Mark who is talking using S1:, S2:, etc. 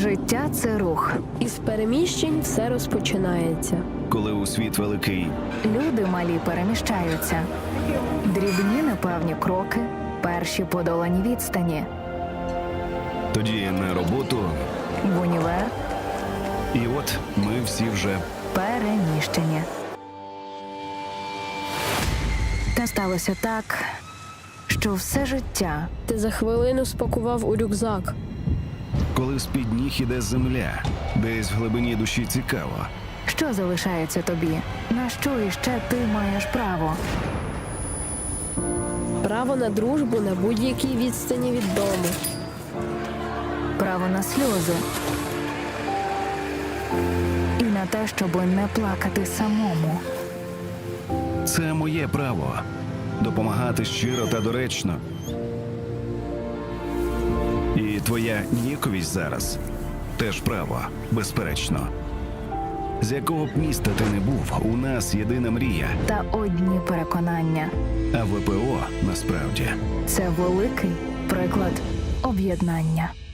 S1: Життя – це рух.
S2: Із переміщень все розпочинається.
S3: Коли у світ великий,
S1: Люди малі переміщаються. Дрібні непевні кроки, перші подолані відстані.
S3: тоді на роботу,
S1: В універ
S3: і от ми всі вже
S1: переміщені. Та сталося так, що все життя
S2: Ти за хвилину спакував у рюкзак.
S3: коли з-під ніг іде земля, десь в глибині душі цікаво.
S1: що залишається тобі? На що іще ти маєш право?
S2: Право на дружбу на будь-якій відстані від дому.
S1: Право на сльози. І на те, щоб не плакати самому.
S3: Це моє право допомагати щиро та доречно. І твоя ніяковість зараз теж право, безперечно. З якого б міста ти не був, у нас єдина мрія,
S1: Та одні переконання.
S3: а ВПО насправді
S1: Це великий приклад об'єднання.